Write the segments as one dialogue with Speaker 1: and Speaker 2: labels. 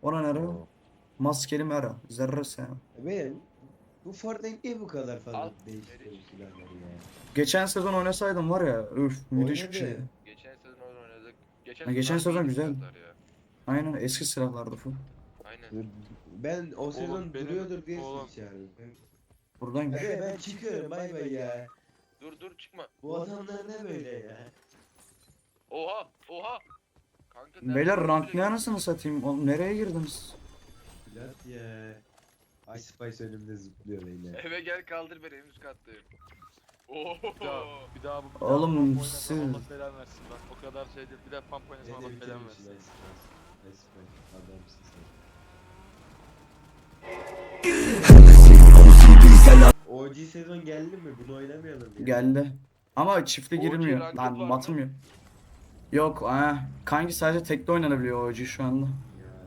Speaker 1: Ona nere?
Speaker 2: Oo.
Speaker 1: Maskeli mera. Zerre sen.
Speaker 2: Ben bu Fortnite niye bu kadar fazla
Speaker 3: Al.
Speaker 2: değiştiriyor silahları ya?
Speaker 1: Geçen sezon oynasaydım var ya. Üf, müthiş bir şeydi.
Speaker 2: Oynadı.
Speaker 3: Geçen sezon oynadık. Geçen
Speaker 1: Ha,
Speaker 3: sezon
Speaker 1: geçen
Speaker 3: harbi
Speaker 1: sezon
Speaker 3: iyiydi
Speaker 1: güzel.
Speaker 3: silahlar ya.
Speaker 1: Aynen eski silahlardı full.
Speaker 3: Aynen.
Speaker 2: Ben o sezon
Speaker 4: Oğlum benim-
Speaker 2: duruyordur diye
Speaker 4: oğlum.
Speaker 2: sizi çağırdım.
Speaker 1: Buradaymış.
Speaker 2: Hadi ben çıkıyorum bay bay ya.
Speaker 3: Dur çıkma.
Speaker 2: Bu adamlar ne böyle ya?
Speaker 3: Oha oha. Kanka
Speaker 1: Beyler
Speaker 3: nereden
Speaker 1: rank ne
Speaker 3: böyle-
Speaker 1: anasını satayım? Oğlum nereye girdiniz?
Speaker 2: Plat ya. Ice Spice önümde zıplıyor beyler.
Speaker 3: Eve gel kaldır beni en üst kattayım. Oho.
Speaker 4: Bir daha bu
Speaker 1: Oğlum,
Speaker 4: pump oynasam
Speaker 1: siz-
Speaker 4: Allah belanı versin bak. O kadar şey değil. Bir daha pump oynasam Allah
Speaker 2: Beni
Speaker 4: belanı
Speaker 2: bitirmişsin
Speaker 4: versin.
Speaker 2: Ice Spice. Ice Spice adamsın sen. OG sezon geldi mi? Bunu oynamayalım ya.
Speaker 1: Geldi. Ama çifte
Speaker 3: OG
Speaker 1: girilmiyor.
Speaker 3: ranked
Speaker 1: Lan
Speaker 3: var
Speaker 1: batmıyor. Yok kanki sadece tekte oynanabiliyor OG şu anda.
Speaker 2: Ya.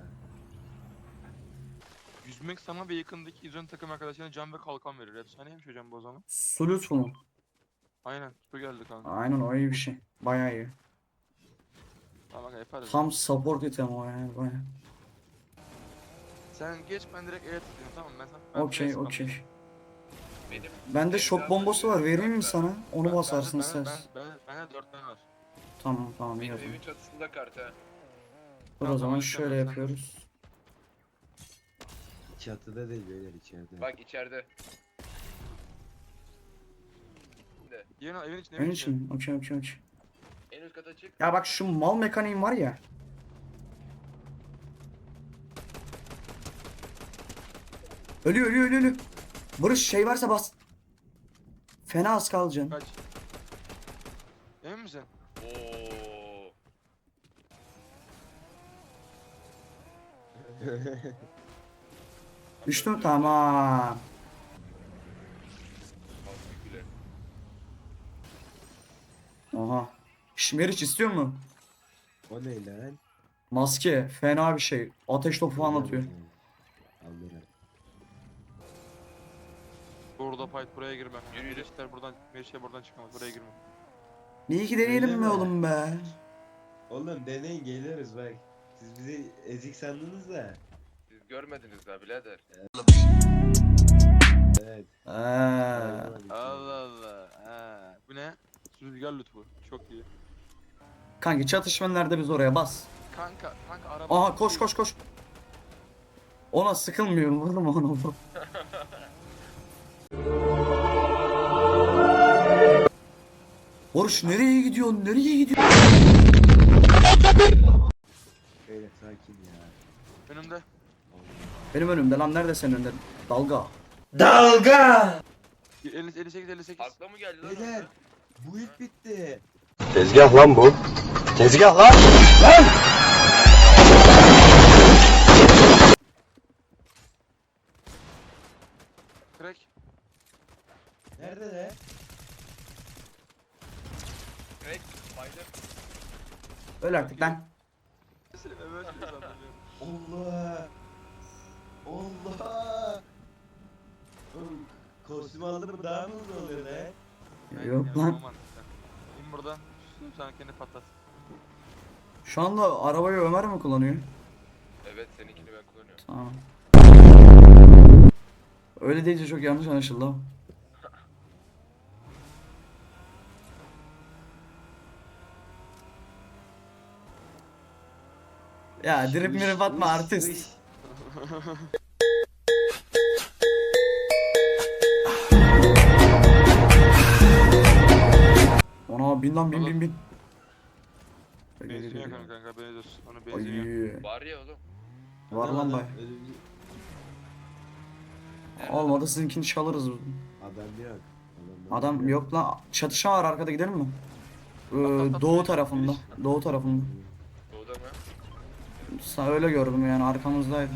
Speaker 4: Yüzmek sana ve yakındaki izon takım arkadaşlarına can ve kalkan verir. Efsaneymiş hocam bu o zaman.
Speaker 1: Sulut mu?
Speaker 4: Aynen. Su geldi kanka.
Speaker 1: Aynen o iyi bir şey. Bayağı iyi.
Speaker 4: Tamam kanka yaparız.
Speaker 1: Tam support item o yani bayağı.
Speaker 4: Sen geç ben direkt evet diyorum tamam mı? Ben
Speaker 1: Okey
Speaker 4: press
Speaker 1: okey.
Speaker 3: Benim
Speaker 1: Bende şok bombası var vereyim mi sana? Onu basarsın sen.
Speaker 4: Bende 4 tane var.
Speaker 1: Tamam iyi
Speaker 3: Benim
Speaker 1: o zaman.
Speaker 3: evin çatısında kart ha.
Speaker 1: Dur o zaman şöyle yapıyoruz.
Speaker 2: Çatıda değil beyler içeride.
Speaker 3: Bak içeride.
Speaker 4: Evin içinde.
Speaker 1: Ön için mi? Okey.
Speaker 3: En üst kata çık.
Speaker 1: Ya bak şu mal mekaniğim var ya. Ölüyor. Barış şey varsa bas. Fena az kalacaksın.
Speaker 4: Kaç. Emin misin?
Speaker 3: Oo.
Speaker 1: Düştüm tamam.
Speaker 3: Kalk bile.
Speaker 1: Oha. Şimeriç istiyor mu?
Speaker 2: O ne lan?
Speaker 1: Maske fena bir şey. Ateş topu falan atıyor.
Speaker 2: Alırım.
Speaker 4: Burada fight buraya girme.
Speaker 3: Yürü.
Speaker 4: Meriçler buradan çıkamaz. Buraya girme.
Speaker 1: İyi ki deneyelim
Speaker 2: Öyle
Speaker 1: mi
Speaker 2: mi?
Speaker 1: oğlum be?
Speaker 2: Oğlum deneyin geliriz bak. Siz bizi ezik sandınız da.
Speaker 3: Siz görmediniz daha birader.
Speaker 2: Evet.
Speaker 4: Allah Allah. Ha. Bu ne? Rüzgar lütfu. Çok iyi.
Speaker 1: Kanki çatışma nerede biz oraya bas.
Speaker 4: Kanka araba.
Speaker 1: Aha koş. Ona sıkılmıyorum oğlum ona. Oruç nereye gidiyorsun?
Speaker 2: Beyler sakin ya.
Speaker 4: Önümde.
Speaker 1: Benim önümde lan nerede senin önünde? Dalga.
Speaker 4: 58.
Speaker 3: Akla mı geldi lan?
Speaker 2: Beyler bu ilk bitti.
Speaker 5: Tezgah lan bu. Tezgah lan.
Speaker 4: Crack.
Speaker 2: Nerede de?
Speaker 3: Crack. Baydım.
Speaker 1: Öl artık lan.
Speaker 4: Selim evet sandım.
Speaker 2: Allah. Allah. Oğlum, kostüm aldı mı daha mı hızlı oluyor be?
Speaker 1: Yok lan.
Speaker 4: İn buradan. Sen kendi patlat.
Speaker 1: Şu anda arabayı Ömer mi kullanıyor?
Speaker 3: Evet seninkini ben kullanıyorum.
Speaker 1: Tamam. Öyle deyince çok yanlış anlaşıldı ama. Ya drip mirip atma artist. Ona bin lan bin.
Speaker 4: Benzin yakın kanka benzin olsun. Onu benzin yok.
Speaker 1: Ay,
Speaker 3: Var ya oğlum.
Speaker 1: var lan bay. Olmadı sizinkini çalırız.
Speaker 2: Adam yok.
Speaker 1: Adam yok lan. Çatışma var arkada gidelim mi? Doğu tarafında.
Speaker 3: Doğuda mı?
Speaker 1: Öyle gördüm yani arkamızdaydı.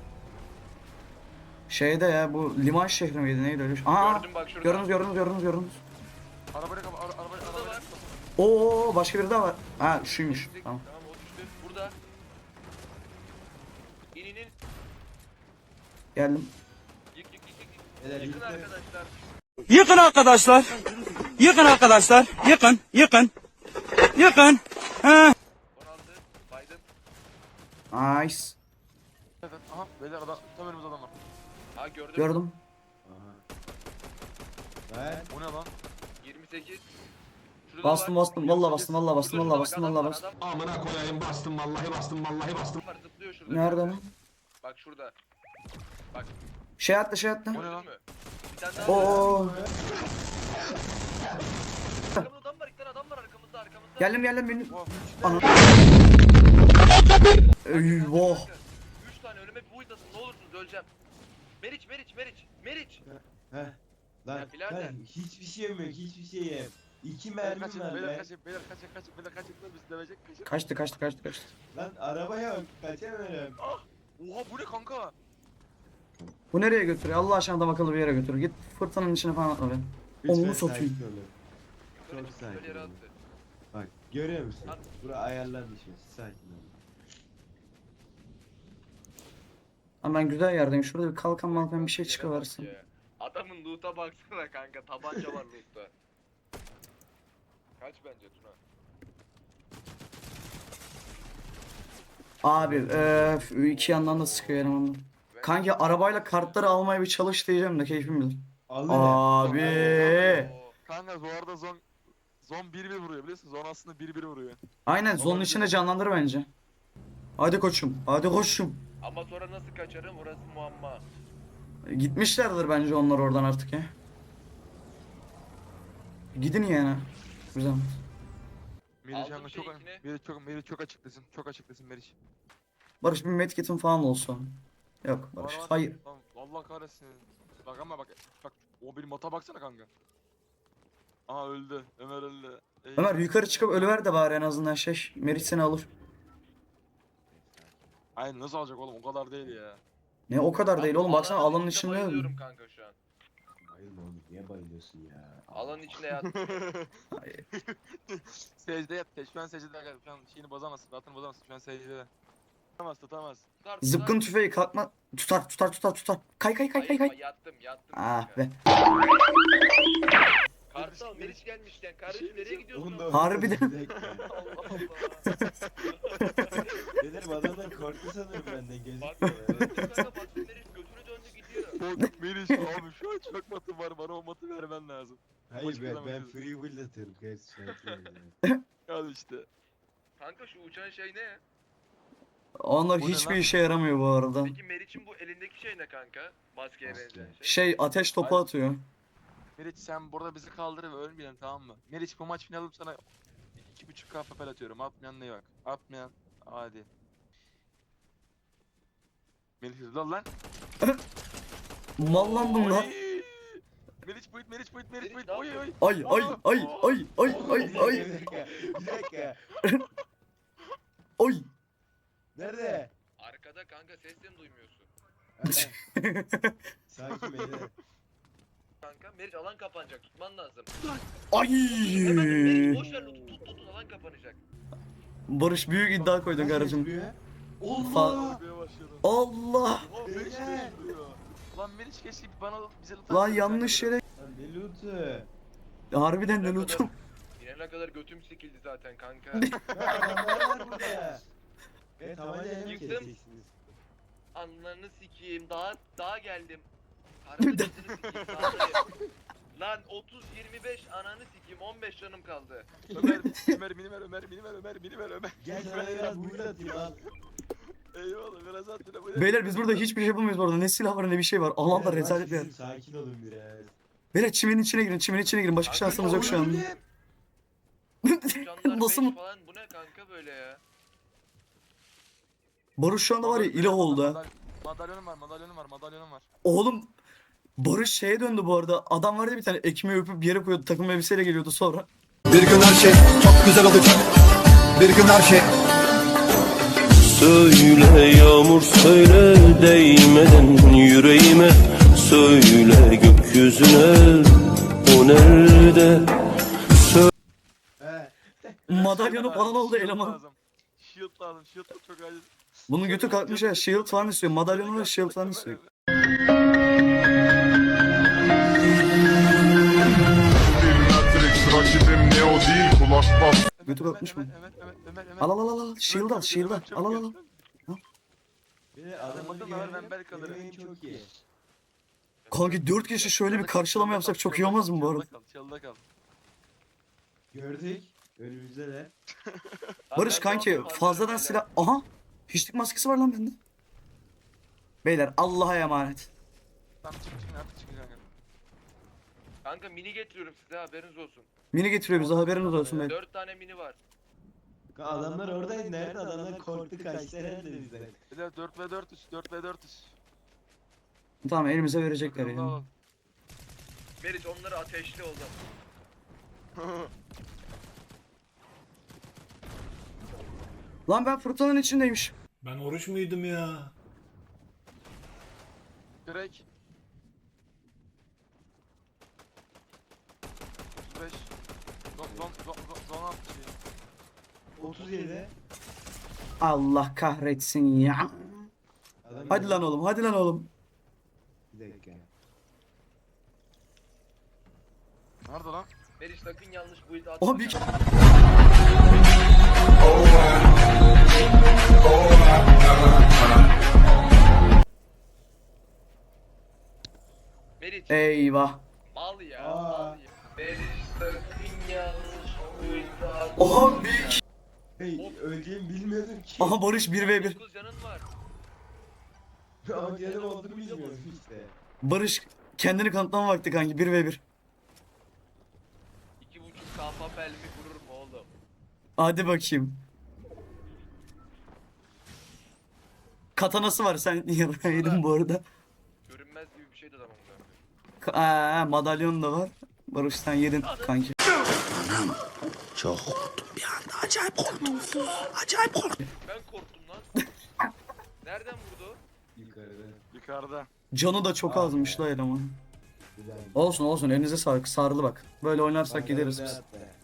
Speaker 1: Şeyde ya bu liman şehri miydi neydi öyle? Aa
Speaker 3: Gördüm bak şurada.
Speaker 1: gördünüz.
Speaker 4: Arabayla kapa arabayla
Speaker 3: var.
Speaker 1: Oo başka biri daha var. Ha şuymuş.
Speaker 3: Geçtik.
Speaker 1: Tamam.
Speaker 3: Tamam o düştü. Burada. İn.
Speaker 1: Geldim.
Speaker 3: Yık.
Speaker 2: Beyler,
Speaker 3: Yıkın
Speaker 2: yıktı.
Speaker 3: arkadaşlar.
Speaker 5: Yıkın arkadaşlar. Yıkın.
Speaker 3: 16. Baydım.
Speaker 1: Nice.
Speaker 4: Evet. Aha beyler adam tam önümüzde adam var.
Speaker 3: Ha gördüm.
Speaker 1: Gördüm.
Speaker 2: Aha. Ver.
Speaker 4: O ne lan?
Speaker 3: 28. Şurada
Speaker 1: Bastım
Speaker 3: var.
Speaker 1: bastım. Vallahi bastım. Vallahi bastım.
Speaker 3: Şurada,
Speaker 1: Vallahi
Speaker 3: bak,
Speaker 1: bastım.
Speaker 3: adam
Speaker 1: Vallahi
Speaker 3: var,
Speaker 1: bastım.
Speaker 3: adam
Speaker 5: Amına koyayım bastım vallahi bastım.
Speaker 3: var, zıplıyor şurada.
Speaker 1: Nerede lan?
Speaker 3: Bak şurada.
Speaker 1: Şey attı şey attı.
Speaker 4: O ne
Speaker 3: Gördün
Speaker 4: lan?
Speaker 3: mü? Bir tane daha.
Speaker 1: Oo.
Speaker 3: Arkamızda adam var, iki tane adam var arkamızda.
Speaker 1: Geldim benim.
Speaker 4: Oh,
Speaker 1: Ana. Eyvah.
Speaker 3: 3 tane önüme bir buit atın, ne olursunuz öleceğim. Meriç.
Speaker 2: Heh. Lan
Speaker 3: Ya birader.
Speaker 2: lan hiçbir şeyim yok, hiçbir şeyim. 2
Speaker 4: Beyler
Speaker 2: mermim
Speaker 4: kaçın,
Speaker 2: var
Speaker 4: beyler
Speaker 2: be.
Speaker 4: kaçın, beyler kaçın, bizi dövecek kaçın.
Speaker 1: Kaçtı.
Speaker 2: Lan araba yok, kaçamıyorum.
Speaker 4: Oha bu ne kanka?
Speaker 1: Bu nereye götürüyor? Allah aşkına adam akıllı bir yere götürüyor. Git fırtınanın içine falan atma be. Onu
Speaker 2: Lütfen
Speaker 1: satayım.
Speaker 2: sakin olun.
Speaker 3: Böyle
Speaker 2: Çok sakin
Speaker 3: yere
Speaker 2: olun.
Speaker 3: attı.
Speaker 2: Bak görüyor musun?
Speaker 3: Lan.
Speaker 2: Bura ayarlar düşmesi, sakin olun.
Speaker 1: Ama ben güzel yerdeyim. Şurada bir kalkan malkan bir şey
Speaker 3: Yere
Speaker 1: çıkıversin.
Speaker 3: bak ya. Adamın loot'a baksana kanka, tabanca var loot'ta. Kaç bence Tuna?
Speaker 1: Abi iki yandan da sıkıyor elemanlar. Kanki arabayla kartları almaya bir çalış diyeceğim de keyfim bilir.
Speaker 2: Alın.
Speaker 1: Abi.
Speaker 3: Oo.
Speaker 4: Kanka bu arada zon 1-1 vuruyor biliyorsun. Zon aslında 1-1 vuruyor.
Speaker 1: Aynen zonun içinde canlandır bence. Hadi koçum.
Speaker 3: Ama sonra nasıl kaçarım orası muamma.
Speaker 1: Gitmişlerdir bence onlar oradan artık ya. Gidin yani. Güzel.
Speaker 4: Meriç
Speaker 3: Aldım
Speaker 4: kanka çok
Speaker 3: şeykini.
Speaker 4: Meriç çok açıklasın. Çok açıklasın Meriç.
Speaker 1: Barış bir medkit'in falan olsun. Yok Barış.
Speaker 4: Var.
Speaker 1: Hayır.
Speaker 4: Lan Allah kahretsin. Bak ama bak o benim mata baksana kanka. Aha öldü. Ömer öldü.
Speaker 1: Ömer yukarı çıkıp ölüver de bari en azından şey. Meriç seni alır.
Speaker 4: Aynen nasıl alacak oğlum o kadar değil ya.
Speaker 1: Ne o kadar değil oğlum. Baksana alanın
Speaker 3: içinde
Speaker 1: içinde.
Speaker 3: bayılıyorum kanka şu an.
Speaker 2: Bayılma oğlum, niye bayılıyorsun ya?
Speaker 3: Alanın içine yattım.
Speaker 4: Secde yat. Şu an secde yat. Şu an şeyini bozamazsın. Rahatını bozamazsın. Şu an secde. Tutamaz.
Speaker 3: Tutar,
Speaker 1: Zıpkın tüfeği kalkma. Tutar. Kay.
Speaker 3: Hayır, yattım
Speaker 1: Ah
Speaker 3: kanka.
Speaker 1: be.
Speaker 3: Kartal Meriç gelmişken kardeşim nereye gidiyorsun?
Speaker 2: Onu da
Speaker 1: Harbiden.
Speaker 2: Bir dakika.
Speaker 3: Allah Allah.
Speaker 2: Dedim adamlar korktu sanırım benden
Speaker 3: Bak
Speaker 2: gözükmüyor.
Speaker 3: kanka bak Meriç götünü döndü gidiyor.
Speaker 4: Korkut Meriç abi şu an çok matım var. Bana o matı vermen lazım.
Speaker 2: Hayır
Speaker 4: Başka
Speaker 2: ben
Speaker 4: zaman
Speaker 2: free will atıyorum kardeşim.
Speaker 4: Al işte.
Speaker 3: Kanka şu uçan şey ne?
Speaker 1: Onlar
Speaker 4: Bu ne
Speaker 1: hiçbir
Speaker 4: lan?
Speaker 1: işe yaramıyor bu arada.
Speaker 3: Peki Meriç'in bu elindeki şey ne kanka? Maskeye
Speaker 2: Maske.
Speaker 3: benzeyen şey.
Speaker 1: Şey ateş topu
Speaker 4: Hayır.
Speaker 1: atıyor.
Speaker 4: Meriç sen burada bizi kaldır ve ölmeyelim tamam mı? Meriç bu maç finalim sana 2.5K papel atıyorum. Atmayan ne bak. Atmayan hadi. Meriç hızlı ol lan.
Speaker 1: Mallandım lan.
Speaker 4: Oy! Meriç buyut.
Speaker 3: Meriç
Speaker 4: Oy
Speaker 3: ne
Speaker 4: oy.
Speaker 3: yapıyor?
Speaker 1: Ay.
Speaker 2: Bir dakika.
Speaker 1: Oy.
Speaker 2: Nerede?
Speaker 3: Arkada kanka seslerini duymuyorsun.
Speaker 2: Sakin beyler.
Speaker 3: Kanka Meriç alan kapanacak tutman lazım.
Speaker 1: Ay.
Speaker 3: Hemen Meriç boş ver loot'u tut alan kapanacak.
Speaker 1: Barış büyük iddia koydun kardeşim.
Speaker 2: Allah!
Speaker 4: Ölmeye başladım.
Speaker 1: Allah.
Speaker 4: Oha Meriç
Speaker 2: Beyler!
Speaker 4: ne yapıyor? Lan Meriç keşke bana bize lütfen.
Speaker 1: Lan yanlış yere.
Speaker 2: Lan ne loot'u?
Speaker 1: Harbiden de lootum.
Speaker 3: İnene kadar götüm sikildi zaten kanka.
Speaker 2: Ya adamlar var burada. Evet havayla mı
Speaker 3: Yıktım.
Speaker 2: keseceksiniz?
Speaker 3: Anlarını sikeyim daha geldim. Kardeşini sikeyim sağdayım. Lan 30-25 ananı sikeyim 15 canım kaldı.
Speaker 4: Ömer mini ver Ömer.
Speaker 2: Gel sana biraz build atayım al.
Speaker 4: Eyvallah biraz at bile bu.
Speaker 1: Beyler biz burada hiçbir şey yapamıyoruz bu arada. Ne silah var ne bir şey var. Alanda
Speaker 2: Biraz
Speaker 1: rezalet bir yer.
Speaker 2: Sakin olun biraz.
Speaker 1: Beyler çimenin içine girin. Başka şansımız yok şu an.
Speaker 3: Canlar
Speaker 1: Nasıl
Speaker 3: 5
Speaker 1: mı?
Speaker 3: falan bu ne kanka böyle ya?
Speaker 1: Barış şu anda var ya ilah oldu ha.
Speaker 4: Madalyonum var.
Speaker 1: Oğlum Barış şeye döndü bu arada. Adam vardı bir tane ekmeği öpüp bir yere koyuyordu. Takım elbiseyle geliyordu sonra.
Speaker 5: Bir gün her şey çok güzel olacak. Bir gün her şey. Söyle yağmur söyle değmeden yüreğime. Söyle gökyüzüne o nerede?
Speaker 2: He.
Speaker 1: Madalyonu falan oldu eleman.
Speaker 4: Shield lazım. Shield çok acil.
Speaker 1: Bunun götü kalkmış ya. Shield falan istiyor. Madalyonu ve shield falan istiyor.
Speaker 6: Matrix rakibim Neo değil kulak bas.
Speaker 1: Götü kalkmış mı?
Speaker 4: Ömer.
Speaker 1: Al. Shield al. Al.
Speaker 2: Beyler Adamı
Speaker 4: ben belki alırım.
Speaker 2: Benim çok iyi.
Speaker 1: Kanki 4 kişi şöyle bir karşılama yapsak çok iyi olmaz mı bu arada?
Speaker 4: Çalda kal.
Speaker 2: Gördük. Önümüzde de.
Speaker 1: Barış kanki fazladan silah... Aha! Hiçlik maskesi var lan bende. Beyler Allah'a emanet.
Speaker 4: Tamam çık artık çıkın kanka.
Speaker 3: Kanka mini getiriyorum size, haberiniz olsun.
Speaker 1: Mini getiriyor bize, haberiniz olsun beyler.
Speaker 3: 4 tane mini var.
Speaker 2: Adamlar oradaydı. Nerede? Adamlar korktu kaçtı herhalde bizden.
Speaker 4: Beyler 4v4'üz 4v4'üz.
Speaker 1: Tamam elimize verecekler
Speaker 4: Bakalım,
Speaker 1: yani.
Speaker 4: alalım.
Speaker 3: Meriç onları ateşli oldu.
Speaker 1: Lan ben fırtınanın içindeymiş.
Speaker 5: Ben oruç muydum ya?
Speaker 4: Direkt. 35. Zon 60.
Speaker 2: 37.
Speaker 1: Allah kahretsin ya.
Speaker 2: Adam
Speaker 1: Hadi lan oğlum, hadi lan oğlum.
Speaker 2: Bir dakika.
Speaker 4: Nerede lan?
Speaker 3: Meriç sakın yanlış build atma.
Speaker 1: Oha bir...
Speaker 3: Meriç
Speaker 1: Eyvah.
Speaker 3: mal ya.
Speaker 2: Aa.
Speaker 3: Mal ya. Meriç sakın yanlış build atma.
Speaker 1: Oha bir...
Speaker 2: Hey, öleceğimi bilmiyordum ki.
Speaker 1: Aha Barış 1v1.
Speaker 3: 9 canın var.
Speaker 2: Ama canım olduğunu bilmiyordum işte.
Speaker 1: Barış kendini kanıtlama vakti kanki 1v1.
Speaker 3: 2.5 kampa pelmi vurur mu oğlum?
Speaker 1: Hadi bakayım. Katanası var sen yaraydın bu arada.
Speaker 3: Görünmez gibi bir şeydi adamın ben.
Speaker 1: Madalyon da var. Barış sen yedin kanki.
Speaker 3: Ben korktum lan. Nereden vurdu?
Speaker 2: Yukarıda.
Speaker 4: Yukarıda.
Speaker 1: Canı da çok azmış la eleman.
Speaker 2: Güzel.
Speaker 1: Olsun olsun elinize sağlık sarılı bak. Böyle oynarsak
Speaker 2: Bak,
Speaker 1: gideriz
Speaker 2: önde
Speaker 1: biz.
Speaker 2: hatta.